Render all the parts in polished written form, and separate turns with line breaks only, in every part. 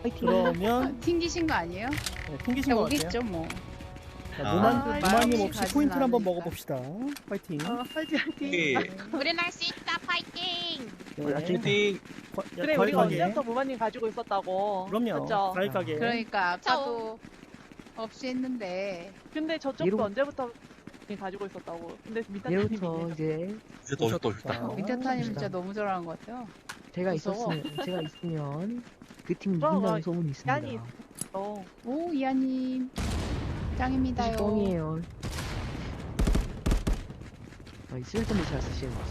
그러면
튕기신 거 아니에요?
네, 튕기신 것 같아요.
오겠죠 뭐.
자,
아,
노마님 없이
가진
포인트를 한번
않으니까.
먹어봅시다. 파이팅.
화이팅.
우린 할 수 있다 파이팅.
네.
파이팅.
그래 우리가
과일가게.
언제부터 무마님 가지고 있었다고.
그럼요.
맞죠?
과일가게.
그러니까 아까도 없이 했는데
근데 저쪽도
이러고-
언제부터 가지고 있었다고. 근데 미타님이
얘로부터 이제
이제 더 좋다 좋다.
민타타님
봅시다.
진짜 너무 잘하는 것 같아요.
제가
무서워.
있으면 그 팀이
그럼,
이긴다는 소문이 있습니다.
야니.
오 이하님 짱입니다요.
뻥이에요. 이 쓸데없는 잘 쓰시는 거지.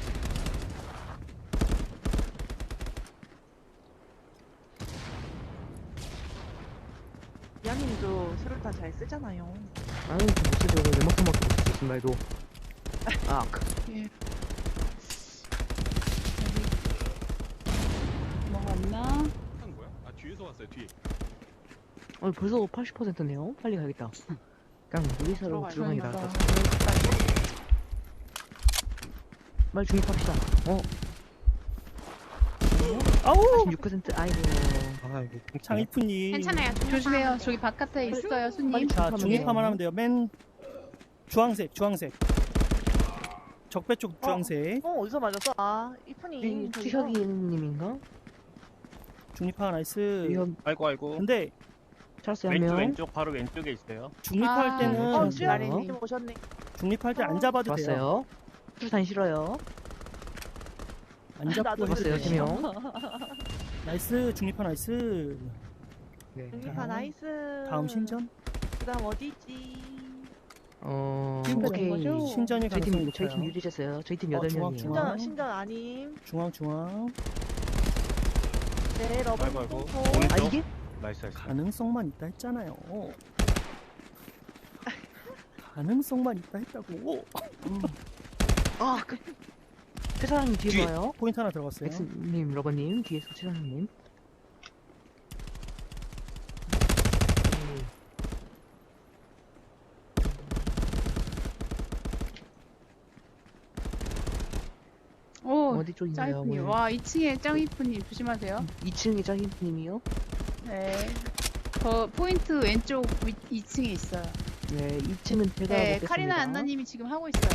야님도 수류탄 잘 쓰잖아요.
나는 못 쓰죠. 내 목숨밖에 못 쓰죠. 신발도. 아,
예. 여기 뭐가 있나?
한 거야? 아 뒤에서 왔어요 뒤.
벌써 80%네요. 빨리 가야겠다. 그냥 무리사로 들어가는 게 나을 것 같아. 빨리 중립합시다.
아우
46% 아이고.
아이고.
장이프님.
괜찮아요.
조심해요. 저기 바깥에 있어요, 손님.
자
중립하면
중립하면
돼요.
하면 돼요. 맨 주황색. 적배 쪽 주황색.
어디서 맞았어? 아 이쁜이.
투혁이님인가?
중립파 나이스.
투혁
아이고.
근데
찰스 한 명.
왼쪽 바로 왼쪽에 있어요.
중립할
아,
때는
어,
주야님 오셨네.
중립할 때 안 잡아도 돼요.
좋았어요. 투탄 싫어요.
안 잡고
나도
해도
좋았어요.
돼요.
3명.
나이스 중립파 나이스.
네.
중립파 나이스.
다음 신전.
그다음 어디 있지?
오케이.
거죠?
신전이
저희
가능성이
팀
높아요.
유리했어요. 저희 팀
어,
8명이에요.
중앙.
신전 아님.
중앙.
네 러브.
아이고.
콩콩.
아
오른쪽.
이게?
나이스 나이스.
가능성만 있다 했잖아요. 가능성만 있다 했다고.
아 그. 최사장님 뒤에
뒤에.
와요.
포인트 하나 들어갔어요.
엑스님, 러버님 뒤에서 최사장님.
오
어디 쪽인가요?
짱이프님. 와 2층에 짱이프님 조심하세요.
2층에 짱님이요?
네. 저 포인트 왼쪽 2층에 있어요.
네, 2층은 제가
네,
먹겠습니다.
카리나 안나님이 지금 하고 있어요.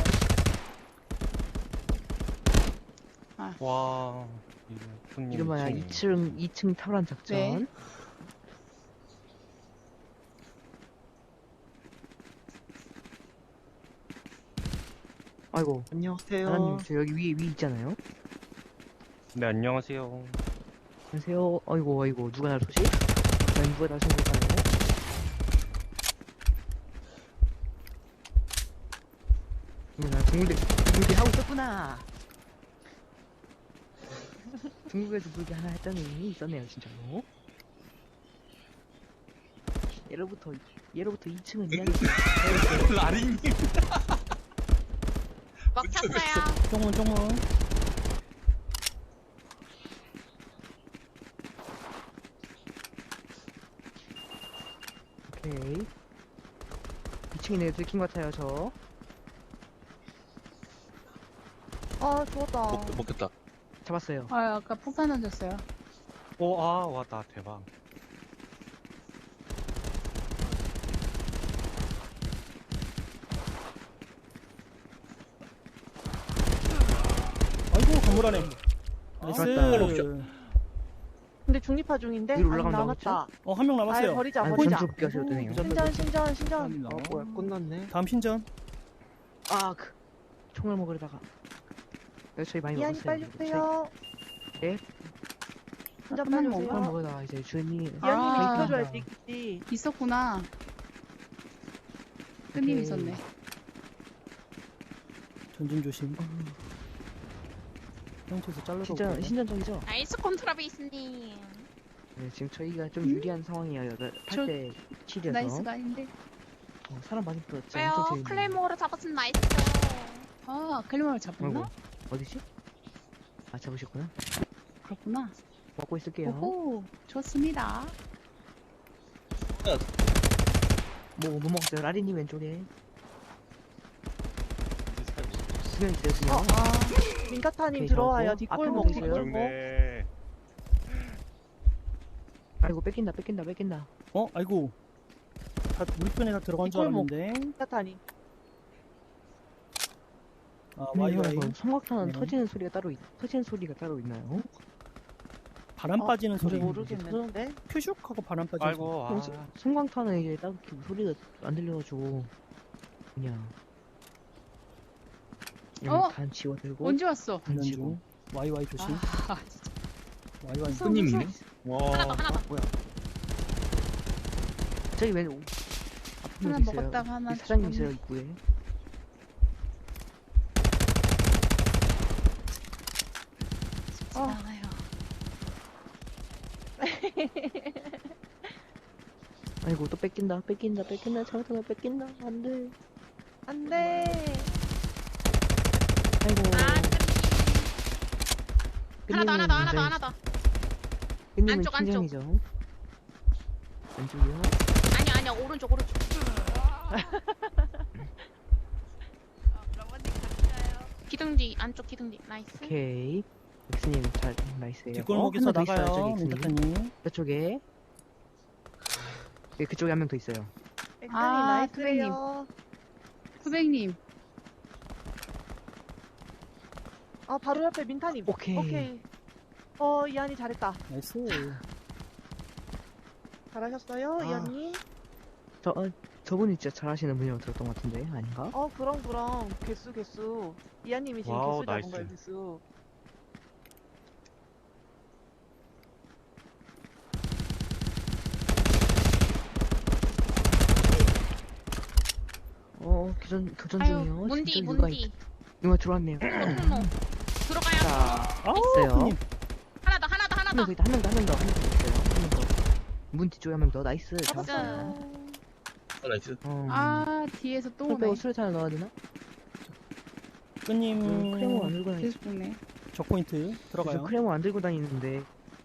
와. 손님
이름하여 2층 탑란 작전.
네.
아이고,
안녕하세요.
하나님 저 여기 위에 있잖아요.
네 안녕하세요.
안녕하세요. 아이고, 누가 날 쏘지? 난 누가 날 쏜 걸까요? 나 중국대 하고 있었구나. 중국에서 물게 하나 했더니 있었네요, 진짜로. 예로부터 2층은 이야기.
라리님.
먹혔어요.
쫑문.
오케이. 2층이네, 들킨 것 같아요, 저.
아 죽었다.
먹겠다.
잡았어요.
아 아까 폭탄 던졌어요.
오아 왔다 대박.
아이고 건물 안에.
좋았다.
나이스.
근데 중립파 중인데
위로
안
올라간다고
남았다.
한 명
아
남았어요.
버리자
아니,
버리자.
전투 껴서 되네요.
신전.
뭐야 끝났네.
다음 신전.
총알 먹으려다가. 저희 많이
이한이
먹었어요.
빨리 주세요.
네.
신전
조금만
빨리
먹어.
총알
주세요.
먹으다가 이제 주인이.
이한이
아.
지켜줘야지 있겠지.
있었구나. 끈님
오케이.
있었네.
전진 조심. 형태에서 잘라서.
신전적이죠?
나이스 콘트라베이스님.
네, 지금 저희가 좀 유리한 상황이에요. 8대 7이어서.
나이스가 아닌데.
사람 많이 들었죠.
왜요?
엄청 재밌네.
클레이모어를 잡았으면 나이스.
아 클리머를 잡았나?
아이고, 어디지? 잡으셨구나.
그렇구나.
먹고 있을게요.
오호 좋습니다.
뭐 먹었어요? 라리님 왼쪽에. 수면 있어요, 수면.
민타타님
오케이,
들어와요.
잡았고.
뒷골
앞에
먹기
보세요.
들고.
좋네.
아이고 뺏긴다 뺏긴다 뺏긴다.
어? 아이고. 다 우리 편에 다 들어간 줄
뒷골목.
알았는데.
타타니.
아,
와이
와이와이.
성곽탄은
네.
터지는 소리가 따로 있나요?
바람
어,
빠지는 소리.
모르겠는데.
퓨슉하고 바람 빠지는
아이고, 아.
성광탄은 이제 딱히 소리가 안 들려가지고 그냥
어?
단 지워들고
언제 왔어?
단
소리.
지워.
와이와이 조심.
아, 진짜.
와이와이.
손님이네.
하나 더 하나 더.
뭐야?
저기 왜
하나
앞에도 있어요.
먹었다가 하나
이 사장님
죽었네.
있어요 입구에.
나와요.
아이고 또 뺏긴다 장탄을 뺏긴다 안돼.
안 돼.
아이고
아,
끝님은
하나 더.
끝님은
안쪽, 안쪽.
팀장이죠. 안쪽이요?
아니야, 오른쪽. 기둥지, 안쪽 기둥지. 나이스.
오케이. 엑스님 잘 나이스예요.
뒷골목에서
한명더 있어요,
나가요.
저기 엑스님.
민타카님.
저쪽에. 네, 그쪽에 한 명 더 있어요.
엑스님
아,
나이스예요.
후배님.
아, 바로 옆에 민타님.
오케이.
이한이 잘했다.
나이스.
잘하셨어요,
아.
이한님.
저분이 진짜 잘하시는 분이라고 들었던 것 같은데 아닌가?
그럼. 개수. 이한님이 지금
와우,
개수 잡은
나이스.
거예요, 개수.
교전
아유,
중이요.
문디.
진짜 누가 들어왔네요.
통로. 들어가요.
자,
아우,
있어요.
손님.
하나 더.
한 명 더 있다. 한 명 더 있어요. 한 명 더. 문 뒤쪽에 한 명 더. 나이스.
잡았어요.
나이스.
아, 뒤에서 또
술 빼고
오네.
수류탄을 넣어야 되나?
끈님.
크레모 안 들고 다니지.
계속 오네.
적포인트
저
들어가요.
크레모 안 들고 다니는데.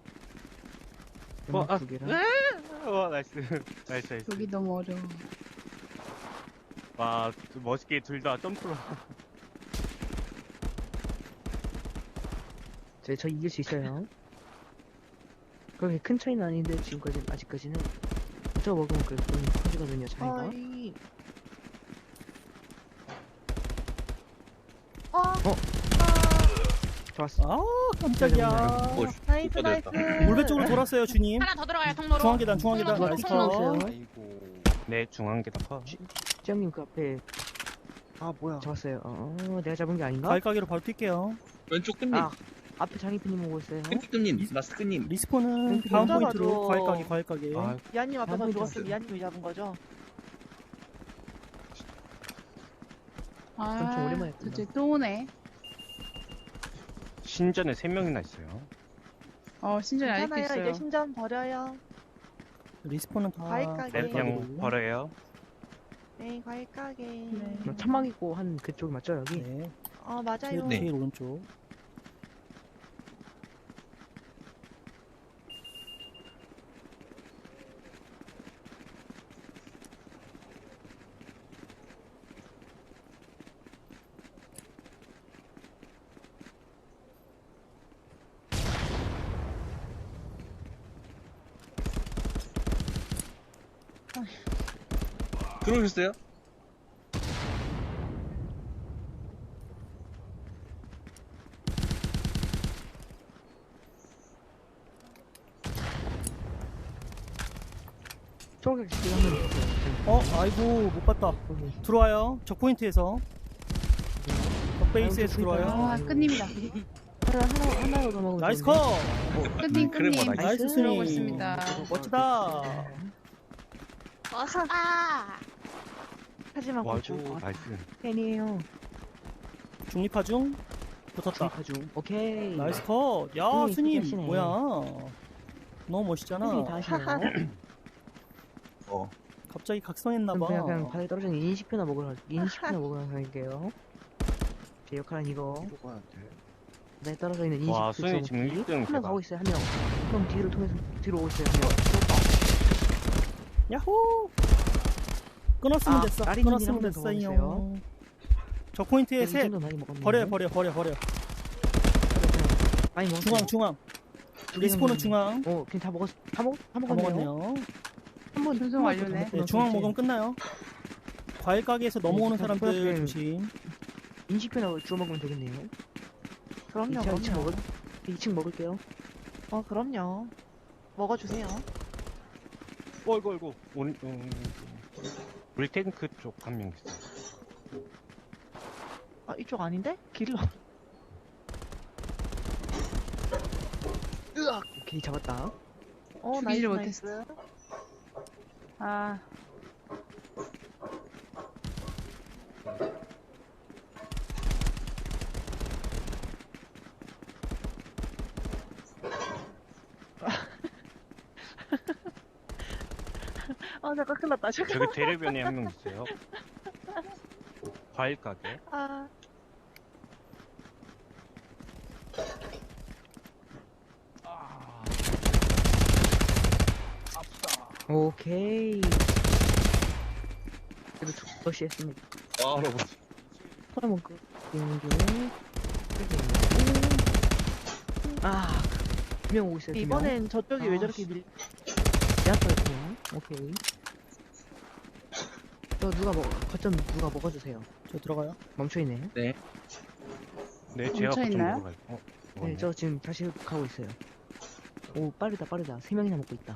아,
두 개랑.
나이스. 나이스.
여기 너무 어려워.
와, 멋있게 둘 다 점프로.
저 이길 수 있어요. 그렇게 큰 차이는 아닌데 아직까지는 저 먹으면 좀 커지거든요 차이가.
어이.
좋았어.
아, 깜짝이야.
나이스, 나이스.
물배 쪽으로 돌았어요, 주님.
하나 더 들어가요, 통로로.
중앙계단, 중앙계단.
통로,
나이스.
통로.
있어요.
아이고. 네, 중앙계단 커.
찌영님 그 앞에 잡았어요. 내가 잡은 게 아닌가?
가위가기로 바로 뛸게요.
왼쪽 끝님.
아 앞에 장희프님 오고 있어요.
왼쪽 끝님. 마스 끝님.
리스폰은 다음
혼자
포인트로
가죠.
가위가기.
아,
이한님 앞에서
한번
죽었으면
잡았어요.
이한님이 잡은 거죠?
엄청 오랜만에 했구나.
저쪽에 또 오네.
신전에 3명이나 있어요.
신전이 아직도
괜찮아요.
있어요.
이제 신전 버려요.
리스폰은 다
가위가기.
네, 그냥
가위가기로.
버려요.
네, 과일 가게.
네.
천막 있고 한 그쪽이 맞죠 여기?
네.
맞아요.
네.
제일 오른쪽.
들어오셨어요?
저기 지금 한명 있어요.
아이고, 못 봤다. 들어와요. 적포인트에서. 적베이스에서 들어와요.
아, 끝님이다.
하나로 더 먹으면
나이스
좋은데.
컷!
끝님,
크레모
끝님.
나이스.
나이스
들어오고
스님.
있습니다.
멋지다.
멋있다.
하지만 고추.
와이고, 나이스.
팬이에요.
중립화 중. 붙었다.
중립화 중. 오케이.
나이스 컷. 야,
스님,
스님.
하시네.
뭐야. 너무 멋있잖아.
스님이 다 하시네요.
갑자기 각성했나봐.
그냥 바닥에 떨어진 인식표나 먹으러 다닐게요. 제 역할은 이거. 바닥에 떨어져 있는 인식표.
와, 수현이 지금
먹기.
1등
한 명
대박.
가고 있어요. 한 명. 그럼 뒤로 통해서 뒤로 오고 있어요. 한 명.
야호! 끊었으면
아,
됐어.
라리님이랑
끊었으면
한명더
됐어요.
먹었어요.
저 포인트에
이
셋.
정도 많이 먹었네.
버려.
많이 먹었어요.
중앙. 리스폰은 중앙.
그냥 다 먹었네요.
다 먹었네요.
한번 전송 완료네.
네, 중앙 먹으면 끝나요. 과일 가게에서 넘어오는
네,
사람들
그렇게-
조심.
인식표나 주워 먹으면 되겠네요.
그럼요,
2층
그럼요.
2층 먹을게요.
그럼요. 먹어주세요.
어이구. 오른, 물탱크 쪽 한 명 있어.
이쪽 아닌데? 길로.
오케이, 잡았다.
나이스,
죽이질
나이스.
아,
잠깐 큰일 났다. 잠깐.
저기 대려변에 한 명 있어요. 과일 가게.
오케이. 그래도 두번씩 했습니다.
할아버지.
털어먹고 있는 중에 두명 오고 있어요.
이번엔 저쪽이 왜
아,
저렇게 밀,
제압할게요. 오케이. 누가 거점 누가 먹어주세요.
저 들어가요.
멈춰있네.
네, 제가
멈춰
좀
있나요?
먹어갈게요.
네,
먹었네.
저 지금 다시 가고 있어요. 오, 빠르다. 3명이나 먹고 있다.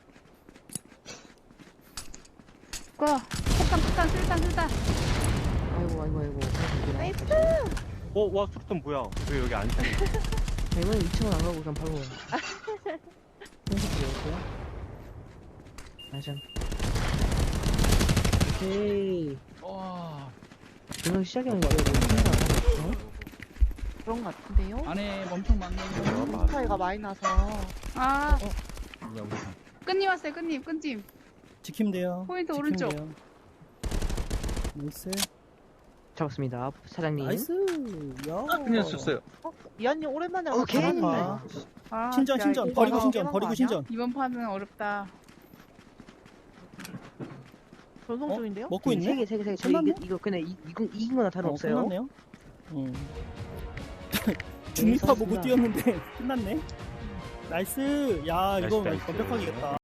거. 폭탄, 술탄.
아이고.
나이스!
와, 수류탄 뭐야? 왜 여기 안 차?
이번엔 2층은 안 가고 그냥 바로 현식 지었고요. 아참. 오케이. 이거 시작이 아니고
그런 것 같은데요?
안에 엄청 많네요.
차이가 많이 나서.
아,
뭐야, 우리
끈님 왔어요, 끈님.
지키면 돼요.
포인트
지키면
오른쪽.
돼요. 나이스.
잡았습니다. 사장님.
나이스. 야.
그냥 썼어요.
이한님 오랜만에 와서
오케이.
잘하는데.
아,
신전
야,
신전
이거
버리고
봐.
신전
깨만
버리고
거
신전.
이번 판은 어렵다.
전송
어?
중인데요?
먹고 있네.
세 개. 저
끝났네?
이거 그냥 이긴 거나 다름없어요.
끝났네요. 중립파 보고
수고하셨습니다.
뛰었는데 끝났네. 나이스. 야 이거
나이스.
완벽하게 이겼다.